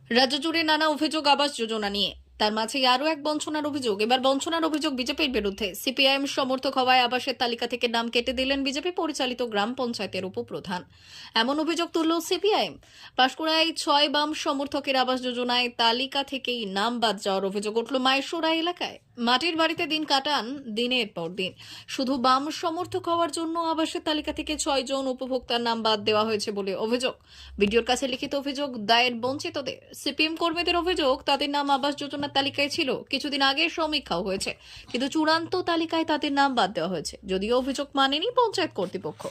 রাজ্য জুড়ে নানা অভিযোগ আবাস যোজনা নিয়ে, তার মাঝে আরো এক বঞ্চনার অভিযোগ। এবার বঞ্চনার অভিযোগ বিজেপির বিরুদ্ধে। সিপিআইএম সমর্থক হওয়ায় আবাসের তালিকা থেকে নাম কেটে দিলেন বিজেপি পরিচালিত গ্রাম পঞ্চায়েতের উপপ্রধান। এমন অভিযোগ তুলল সিপিআইএম। পাঁশকুড়ায় 6 বাম সমর্থকের আবাস যোজনায় তালিকা থেকেই নাম বাদ যাওয়ার অভিযোগ উঠল মাইশোরা এলাকায়। মাটির বাড়িতে দিন কাটান দিনের পর দিন। শুধু বাম সমর্থক হওয়ার জন্য আবাসের তালিকা থেকে 6 জন উপভোক্তার নাম বাদ দেওয়া হয়েছে বলে অভিযোগ। ভিডিওর কাছে লিখিত অভিযোগ দায়ের বঞ্চিতদের। সিপিএম কর্মীদের অভিযোগ, তাদের নাম আবাস যোজনার তালিকায় ছিল, কিছুদিন আগে সমীক্ষাও হয়েছে, কিন্তু চূড়ান্ত তালিকায় তাদের নাম বাদ দেওয়া হয়েছে, যদিও অভিযোগ মানেনি পঞ্চায়েত কর্তৃপক্ষ।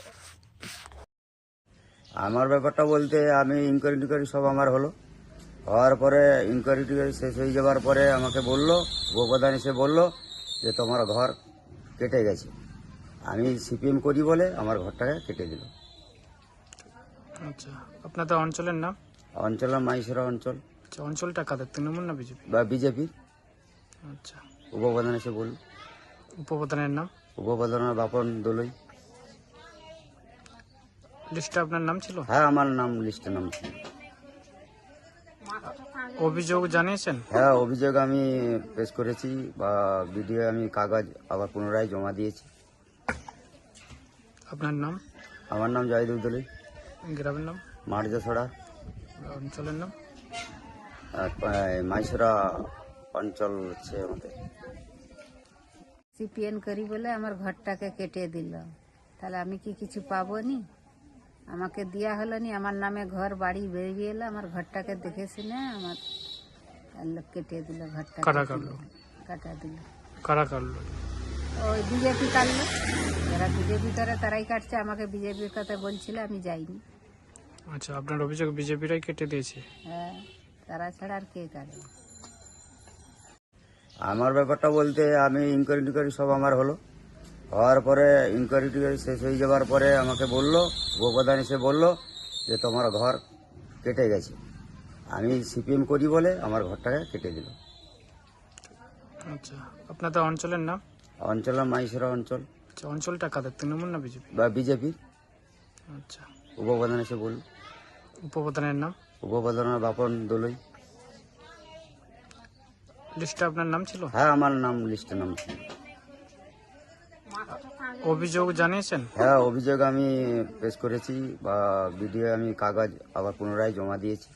আমার ব্যাপারটা বলতে আমি ইনকোয়ারি সব আমার হওয়ার পরে ইনকোয়ারি শেষ হয়ে যাওয়ার পরে আমাকে বললো, উপপ্রধান এসে বললো যে তোমার ঘর কেটে গেছে। আমি সিপিএম করি বলে আমার ঘরটাকে কেটে দিল। আচ্ছা, আপনাদের অঞ্চলের নাম? অঞ্চলের মাইশোরা অঞ্চল। আচ্ছা, অঞ্চলটা কাদের, তৃণমূল না বিজেপি? বা বিজেপির। আচ্ছা, উপপ্রধান এসে বলল। উপপ্রধানের নাম? উপপ্রধানের বাপন দোলই। লিস্টে আপনার নাম ছিল? হ্যাঁ, আমার নাম লিস্টে নাম ছিল। অভিযোগ জানিয়েছেন? হ্যাঁ, অভিযোগ আমি পেশ করেছি বা ভিডিও আমি কাগজ আবার পুনরায় জমা দিয়েছি। আপনার নাম? আমার নাম জয়দেব দোলই। গ্রামের নাম? মার্জাছড়া। অঞ্চলের নাম? মাইশোরা অঞ্চল হচ্ছে আমাদের। সিপিএন করি বলে আমার ঘরটাকে কেটে দিল, তাহলে আমি কি কিছু পাবো নি? আমাকে দেওয়া হলো নি, আমার নামে ঘর বাড়ি বেরিয়ে এলো, আমার ঘরটাকে দেখে শুনে আমার কেটে দিল ঘরটা। কারা কাটলো? কাটা দিল। কারা কাটলো? ওই বিজেপি কাটলো। যারা বিজেপি করে তারাই কাটছে, আমাকে বিজেপির কথা বলছিল, আমি যাইনি। আচ্ছা, আপনার অভিযোগ বিজেপিরাই কেটে দিয়েছে? হ্যাঁ, তারা ছাড়া আর কে কাটবে? আমার ব্যাপারটা বলতে আমি ইনকোয়ারি সব আমার হওয়ার পরে ইনকোয়ারি শেষ হয়ে যাওয়ার পরে আমাকে বললো, উপপ্রধান এসে বললো যে তোমার ঘর কেটে গেছে। আমি সিপিএম করি বলে আমার ঘরটাকে কেটে দিল। আচ্ছা, আপনাদের অঞ্চলের নাম? অঞ্চলের মাইশোরা অঞ্চল। আচ্ছা, অঞ্চলটা কাদের, তৃণমূল না বিজেপি? বা বিজেপির। আচ্ছা, উপপ্রধান এসে বলল। উপপ্রধানের নাম? উপপ্রধানের বাপন দোলই। লিস্টে আপনার নাম ছিল? হ্যাঁ, আমার নাম লিস্টে নাম ছিল। অভিযোগ জানিয়েছেন? হ্যাঁ, অভিযোগ আমি পেশ করেছি বা ভিডিও আমি কাগজ আবার পুনরায় জমা দিয়েছি।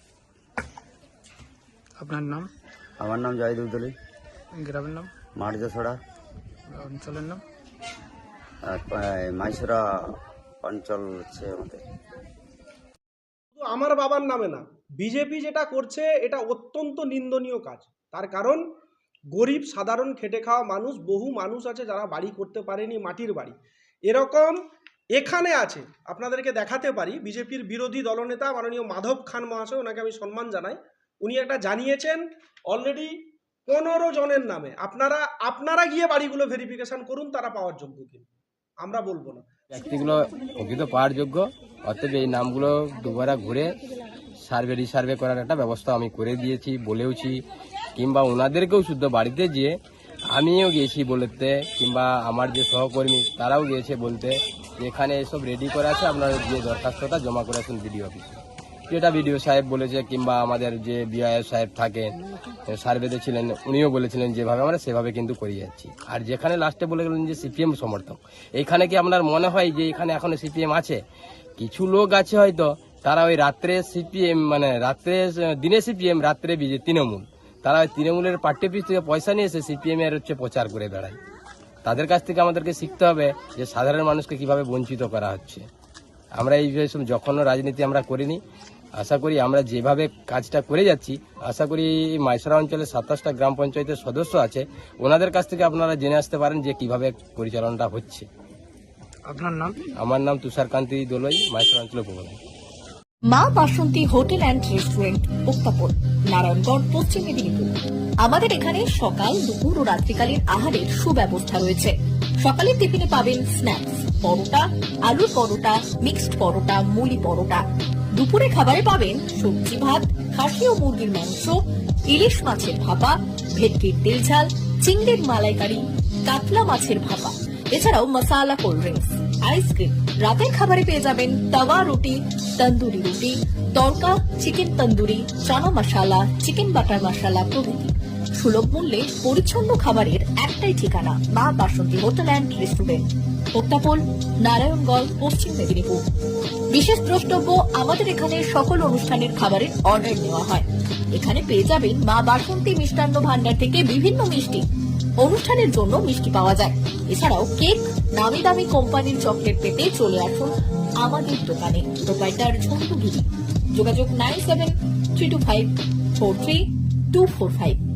আপনার নাম? আমার নাম জয়দেব দোলই। গ্রামের নাম? মার্জাছড়া। অঞ্চলের নাম? মাইশোরা অঞ্চল হচ্ছে আমাদের। শুধু আমার বাবার নামে না, বিজেপি যেটা করছে এটা অত্যন্ত নিন্দনীয় কাজ। তার কারণ গরিব সাধারণ খেটে খাওয়া মানুষ, বহু মানুষ আছে যারা বাড়ি করতে পারেনি, মাটির বাড়ি এরকম এখানে আছে। আপনাদেরকে দেখাতে পারি, বিজেপির বিরোধী দলনেতা মাননীয় মাধব খান মহাশয়, ওনাকে আমি সম্মান জানাই, উনি একটা জানিয়েছেন অলরেডি 15 জনের নামে। আপনারা গিয়ে বাড়িগুলো ভেরিফিকেশন করুন, তারা পাওয়ার যোগ্য কিনা, আমরা বলবো না। ব্যক্তিগুলো প্রকৃত পাওয়ার যোগ্য, অতএব এই নামগুলো দুবারা ঘুরে রিসার্ভে করার একটা ব্যবস্থা আমি করে দিয়েছি, বলেওছি, কিংবা ওনাদেরকেও শুদ্ধ বাড়িতে গিয়ে আমিও গিয়েছি বলতে, কিংবা আমার যে সহকর্মী তারাও গিয়েছে বলতে যে এখানে এসব রেডি করা আছে, আপনারা যে দরখাস্তটা জমা করেছেন বিডিও অফিসে, যেটা বিডিও সাহেব বলেছে, কিংবা আমাদের যে বিআইএস সাহেব থাকেন সার্ভেতে ছিলেন, উনিও বলেছিলেন যেভাবে আমরা সেভাবে কিন্তু করে যাচ্ছি। আর যেখানে লাস্টে বলে গেলেন যে সিপিএম সমর্থক, এইখানে কি আপনার মনে হয় যে এখানে এখনো সিপিএম আছে? কিছু লোক আছে হয়তো, তারা ওই রাত্রে সিপিএম, মানে দিনে সিপিএম, রাত্রে তৃণমূল, তারা ওই তৃণমূলের পার্টি অফিস থেকে পয়সা নিয়ে এসে সিপিএম এর প্রচার করে বেড়ায়। তাদের কাছ থেকে আমাদেরকে শিখতে হবে যে সাধারণ মানুষকে কিভাবে বঞ্চিত করা হচ্ছে। আমরা এই যখন রাজনীতি আমরা করিনি, আশা করি আমরা যেভাবে কাজটা করে যাচ্ছি, আশা করি মাইশোরা অঞ্চলে 27টা গ্রাম পঞ্চায়েতের সদস্য আছে, ওনাদের কাছ থেকে আপনারা জেনে আসতে পারেন যে কিভাবে পরিচালনাটা হচ্ছে। আপনার নাম? আমার নাম তুষারকান্তি দোলই, মাইশোরা অঞ্চলের উপপ্রধান। Maa Basanti hotel and restaurant, উত্তাপন, নারায়ণগড়, পশ্চিম মেদিনীপুর। আমাদের এখানে সকাল, দুপুর ও রাত্রিকালীন আহারের সুব্যবস্থা রয়েছে। সকালের টিফিনে পাবেন স্ন্যাক্স, পরোটা, আলুর পরোটা, মিক্সড পরোটা, মুলি পরোটা। দুপুরে খাবারে পাবেন সবজি ভাত, খাসি ও মুরগির মাংস, ইলিশ মাছের ভাপা, ভেটকির তেল ঝাল, চিংড়ির মালাইকারি, কাতলা মাছের ভাপা, এছাড়াও মশালা কোল্ড ড্রিঙ্কস, আইসক্রিম, রাতের খাবারে পেয়ে যাবেন তাওয়া রুটি, তন্দুরি রুটি, tadka, chicken tandoori, chana masala, chicken butter masala প্রভৃতি। সুলভ মূল্যে পরিচ্ছন্ন খাবারের একটাই ঠিকানা, Maa Basanti hotel and restaurant, প্রত্যাপল, নারায়ণগঞ্জ, পশ্চিম মেদিনীপুর। বিশেষ দ্রষ্টব্য, আমাদের এখানে সকল অনুষ্ঠানের খাবারের অর্ডার নেওয়া হয়। এখানে পেয়ে যাবেন মা বাসন্তী মিষ্টান্ন ভান্ডার থেকে বিভিন্ন মিষ্টি। অনুষ্ঠানের জন্য মিষ্টি পাওয়া যায়। এছাড়াও কেক, নামি দামি কোম্পানির চকলেট পেতে চলে আসুন আমাদের দোকানে। প্রোপাইটার ঝন্টু গিরি। যোগাযোগ 9732543245।